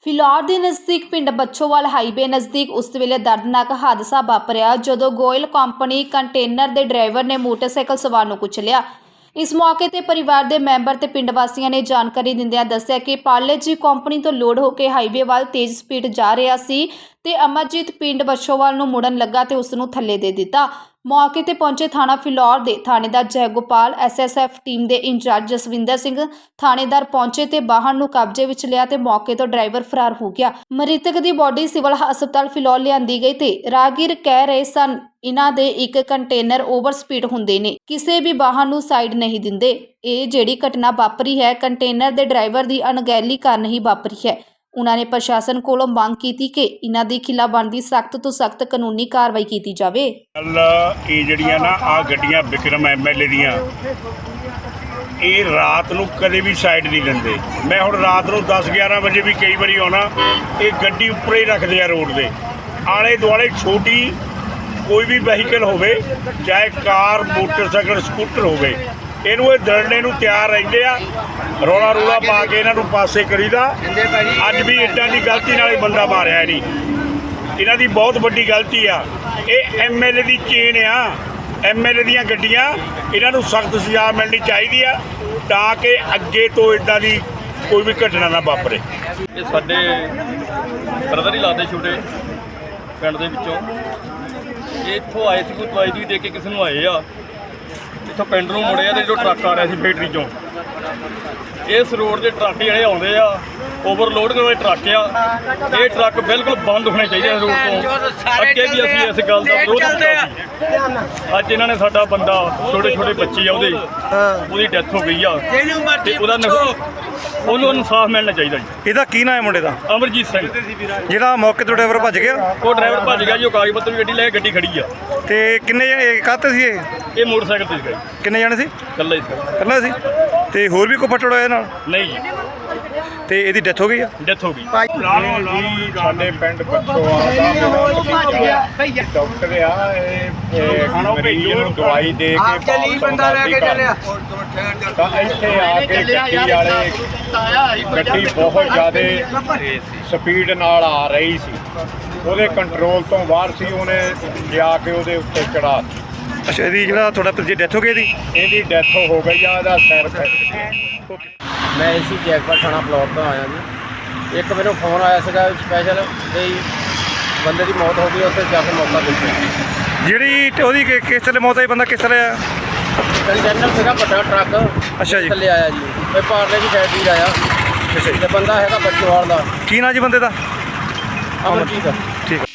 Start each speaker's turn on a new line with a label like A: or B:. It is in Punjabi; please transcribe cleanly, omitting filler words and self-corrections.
A: ਫਿਲੌਰ ਦੇ ਨਜ਼ਦੀਕ ਪਿੰਡ ਬੱਚੋਵਾਲ ਹਾਈਵੇ ਨਜ਼ਦੀਕ ਉਸ ਵੇਲੇ ਦਰਦਨਾਕ ਹਾਦਸਾ ਵਾਪਰਿਆ ਜਦੋਂ ਗੋਇਲ ਕੰਪਨੀ ਕੰਟੇਨਰ ਦੇ ਡਰਾਈਵਰ ਨੇ ਮੋਟਰਸਾਈਕਲ ਸਵਾਰ ਨੂੰ ਕੁਚਲਿਆ। ਇਸ ਮੌਕੇ ਤੇ ਪਰਿਵਾਰ ਦੇ ਮੈਂਬਰ ਤੇ ਪਿੰਡ ਵਾਸੀਆਂ ਨੇ ਜਾਣਕਾਰੀ ਦਿੰਦਿਆਂ ਦੱਸਿਆ ਕਿ ਪਾਰਲੇ ਜੀ ਕੰਪਨੀ ਤੋਂ ਲੋਡ ਹੋ ਕੇ ਹਾਈਵੇ ਵੱਲ ਤੇਜ਼ ਸਪੀਡ ਜਾ ਰਿਹਾ ਸੀ ਤੇ ਅਮਰਜੀਤ ਪਿੰਡ ਬੱਚੋਵਾਲ ਨੂੰ ਮੁੜਨ ਲੱਗਾ ਤੇ ਉਸ ਨੂੰ ਥੱਲੇ ਦੇ ਦਿੱਤਾ। ਮੌਕੇ ਤੇ ਪਹੁੰਚੇ ਥਾਣਾ ਫਿਲੌਰ ਦੇ ਥਾਣੇਦਾਰ ਜੈਗੋਪਾਲ, ਐਸਐਸਐਫ ਟੀਮ ਦੇ ਇੰਚਾਰਜ ਜਸਵਿੰਦਰ ਸਿੰਘ ਥਾਣੇਦਾਰ ਪਹੁੰਚੇ ਤੇ ਵਾਹਨ ਨੂੰ ਕਬਜ਼ੇ ਵਿੱਚ ਲਿਆ ਤੇ ਮੌਕੇ ਤੋਂ ਡਰਾਈਵਰ ਫਰਾਰ ਹੋ ਗਿਆ। ਮ੍ਰਿਤਕ ਦੀ ਬੋਡੀ ਸਿਵਲ ਹਸਪਤਾਲ ਫਿਲੌਰ ਲਿਆਂਦੀ ਗਈ ਤੇ ਰਾਹਗੀਰ ਕਹਿ ਰਹੇ ਸਨ ਇਹਨਾਂ ਦੇ ਇੱਕ ਕੰਟੇਨਰ ਓਵਰ ਸਪੀਡ ਹੁੰਦੇ ਨੇ, ਕਿਸੇ ਵੀ ਵਾਹਨ ਨੂੰ ਸਾਈਡ ਨਹੀਂ ਦਿੰਦੇ। ਇਹ ਜਿਹੜੀ ਘਟਨਾ ਵਾਪਰੀ ਹੈ ਕੰਟੇਨਰ ਦੇ ਡਰਾਈਵਰ ਦੀ ਅਣਗਹਿਲੀ ਕਾਰਨ ਹੀ ਵਾਪਰੀ ਹੈ। ਉਹਨਾਂ ਨੇ ਪ੍ਰਸ਼ਾਸਨ ਕੋਲੋਂ ਮੰਗ ਕੀਤੀ ਕਿ ਇਹਨਾਂ ਦੀ ਖਿਲਾਫ ਬਣਦੀ ਸਖਤ ਤੋਂ ਸਖਤ ਕਾਨੂੰਨੀ ਕਾਰਵਾਈ ਕੀਤੀ ਜਾਵੇ।
B: ਇਹ ਜਿਹੜੀਆਂ ਨਾ ਆ ਗੱਡੀਆਂ ਵਿਕਰਮ ਐਮਐਲਏ ਦੀਆਂ ਇਹ ਰਾਤ ਨੂੰ ਕਦੇ ਵੀ ਸਾਈਡ ਨਹੀਂ ਦਿੰਦੇ। ਮੈਂ ਹੁਣ ਰਾਤ ਨੂੰ 10-11 ਵਜੇ ਵੀ ਕਈ ਵਾਰੀ ਆਉਣਾ, ਇਹ ਗੱਡੀ ਉੱਪਰ ਹੀ ਰੱਖਦੇ ਆ ਰੋਡ ਦੇ ਆਲੇ ਦੁਆਲੇ। ਛੋਟੀ ਕੋਈ ਵੀ ਵਹੀਕਲ ਹੋਵੇ, ਚਾਹੇ ਕਾਰ, ਮੋਟਰਸਾਈਕਲ, ਸਕੂਟਰ ਹੋਵੇ, ਇਹਨੂੰ ਇਹ ਦਰੜਨੇ ਨੂੰ ਤਿਆਰ ਰਹਿੰਦੇ ਆ। ਰੌਲਾ ਰੂਲਾ ਪਾ ਕੇ ਇਹਨਾਂ ਨੂੰ ਪਾਸੇ ਕਰੀਦਾ। ਅੱਜ ਵੀ ਇੱਦਾਂ ਦੀ ਗਲਤੀ ਨਾਲ ਹੀ ਬੰਦਾ ਮਾਰਿਆ ਨਹੀਂ। ਇਹਨਾਂ ਦੀ ਬਹੁਤ ਵੱਡੀ ਗਲਤੀ ਆ। ਇਹ ਐਮਐਲਏ ਦੀ ਚੇਨ ਆ, ਐਮਐਲਏ ਦੀਆਂ ਗੱਡੀਆਂ। ਇਹਨਾਂ ਨੂੰ ਸਖਤ ਸਜ਼ਾ ਮਿਲਣੀ ਚਾਹੀਦੀ ਆ ਤਾਂ ਕਿ ਅੱਗੇ ਤੋਂ ਇੱਦਾਂ ਦੀ ਕੋਈ ਵੀ ਘਟਨਾ ਨਾ ਵਾਪਰੇ।
C: ਇਹ ਸਾਡੇ ਬ੍ਰਦਰ ਹੀ ਲੱਗਦੇ ਛੋਟੇ ਪਿੰਡ ਦੇ ਵਿੱਚੋਂ। ਇਹ ਇੱਥੋਂ ਆਏ ਸੀ, ਕੋਈ ਦਵਾਈ ਦੀ ਦੇ ਕੇ ਕਿਸੇ ਨੂੰ ਆਏ ਆ, ਇੱਥੋਂ ਪਿੰਡ ਨੂੰ ਮੁੜੇ ਆ ਤੇ ਜੋ ਟਰੱਕ ਆ ਰਿਹਾ ਸੀ ਫੈਕਟਰੀ ਚੋਂ, ਇਸ ਰੋਡ ਦੇ ਟਰੱਕ ਜਿਹੜੇ ਆਉਂਦੇ ਆ ਓਵਰਲੋਡ ਦੇ ਟਰੱਕ ਆ। ਇਹ ਟਰੱਕ ਬਿਲਕੁਲ ਬੰਦ ਹੋਣੇ ਚਾਹੀਦੇ ਆ ਰੋਡ ਤੋਂ। ਅੱਗੇ ਵੀ ਅਸੀਂ ਇਸ ਗੱਲ ਦਾ ਵਿਰੋਧ ਕੀਤਾ ਸੀ। ਅੱਜ ਇਹਨਾਂ ਨੇ ਸਾਡਾ ਬੰਦਾ, ਛੋਟੇ ਛੋਟੇ ਬੱਚੇ ਆ ਉਹਦੀ ਡੈਥ ਹੋ ਗਈ ਆ ਤੇ ਉਹਨੂੰ ਇਨਸਾਫ ਮਿਲਣਾ ਚਾਹੀਦਾ ਜੀ।
D: ਇਹਦਾ ਕੀ ਨਾਂ ਹੈ ਮੁੰਡੇ ਦਾ?
C: ਅਮਰਜੀਤ ਸਿੰਘ।
D: ਜਿਹੜਾ ਮੌਕੇ ਤੋਂ ਡਰਾਈਵਰ ਭੱਜ ਗਿਆ?
C: ਉਹ ਡਰਾਈਵਰ ਭੱਜ ਗਿਆ ਜੀ। ਉਹ ਕਾਗਜ਼ ਪੱਤਰ ਵੀ ਗੱਡੀ ਲੈ ਕੇ ਗੱਡੀ ਖੜੀ ਆ।
D: ਤੇ ਕਿੰਨੇ ਕਾਹਤੇ ਸੀ ਇਹ?
C: ਇਹ ਮੋਟਰਸਾਈਕਲ ਤੇ ਸੀਗਾ ਜੀ।
D: ਕਿੰਨੇ ਜਾਣੇ ਸੀ?
C: ਇਕੱਲਾ ਹੀ ਸੀ।
D: ਇਕੱਲਾ ਸੀ? ਤੇ ਹੋਰ ਵੀ ਕੋਈ ਫੱਟੜ ਹੋਇਆ ਨਾਲ?
C: ਨਹੀਂ ਜੀ,
D: ਤੇ ਇਹਦੀ ਡੈਥ ਹੋ ਗਈ ਆ?
C: ਡੈਥ ਹੋ ਗਈ।
B: ਜੀ ਸਾਡੇ ਪਿੰਡ ਬੱਚੋਵਾਲ ਦਾ ਡਾਕਟਰ ਆ, ਇਹ ਮਰੀਜ਼ ਨੂੰ ਦਵਾਈ ਦੇ ਕੇ ਬੰਦਾ ਲੈ ਕੇ ਚੱਲਿਆ ਤਾਂ ਇੱਥੇ ਆ ਕੇ ਗੱਡੀ ਬਹੁਤ ਜ਼ਿਆਦਾ ਸਪੀਡ ਨਾਲ ਆ ਰਹੀ ਸੀ, ਉਹਦੇ ਕੰਟਰੋਲ ਤੋਂ ਬਾਹਰ ਸੀ। ਉਹਨੇ ਜਾ ਕੇ ਉਹਦੇ ਉੱਤੇ ਚੜਾ।
D: ਅੱਛਾ, ਇਹਦੀ ਜਿਹੜਾ ਤੁਹਾਡਾ ਭਤੀਜੇ ਡੈਥ ਹੋ ਗਈ
B: ਇਹਦੀ ਡੈਥ ਹੋ ਗਈ ਆ। ਇਹਦਾ ਸਿਰ ਫੈਕਟ।
E: ਮੈਂ ਇਸੀ ਜੈਗਪਾਲ ਥਾਣਾ ਫਿਲੌਰ ਤੋਂ ਆਇਆ ਜੀ। ਇੱਕ ਮੈਨੂੰ ਫੋਨ ਆਇਆ ਸੀਗਾ ਸਪੈਸ਼ਲ ਵੀ ਬੰਦੇ ਦੀ ਮੌਤ ਹੋ ਗਈ, ਉੱਥੇ ਜਾ ਕੇ ਮੌਕਾ ਦੇਖਿਆ।
D: ਜਿਹੜੀ ਉਹਦੀ ਕਿਸ ਤਰ੍ਹਾਂ ਮੌਤ ਆਈ? ਬੰਦਾ ਕਿਸ ਤਰ੍ਹਾਂ ਆਇਆ?
E: ਕੰਟੇਨਰ ਸੀਗਾ ਵੱਡਾ ਟਰੱਕ।
D: ਅੱਛਾ ਜੀ।
E: ਥੱਲੇ ਆਇਆ ਜੀ, ਇਹ ਪਾਰਲੇ ਦੀ ਫੈਕਟਰੀ ਦਾ ਆਇਆ।
D: ਅੱਛਾ ਜੀ।
E: ਤੇ ਬੰਦਾ ਹੈਗਾ ਬੱਚੋਵਾਲ ਦਾ।
D: ਕੀ ਨਾਂ ਜੀ ਬੰਦੇ ਦਾ?
E: ਅਮਰਜੀਤ।
D: ਠੀਕ ਆ।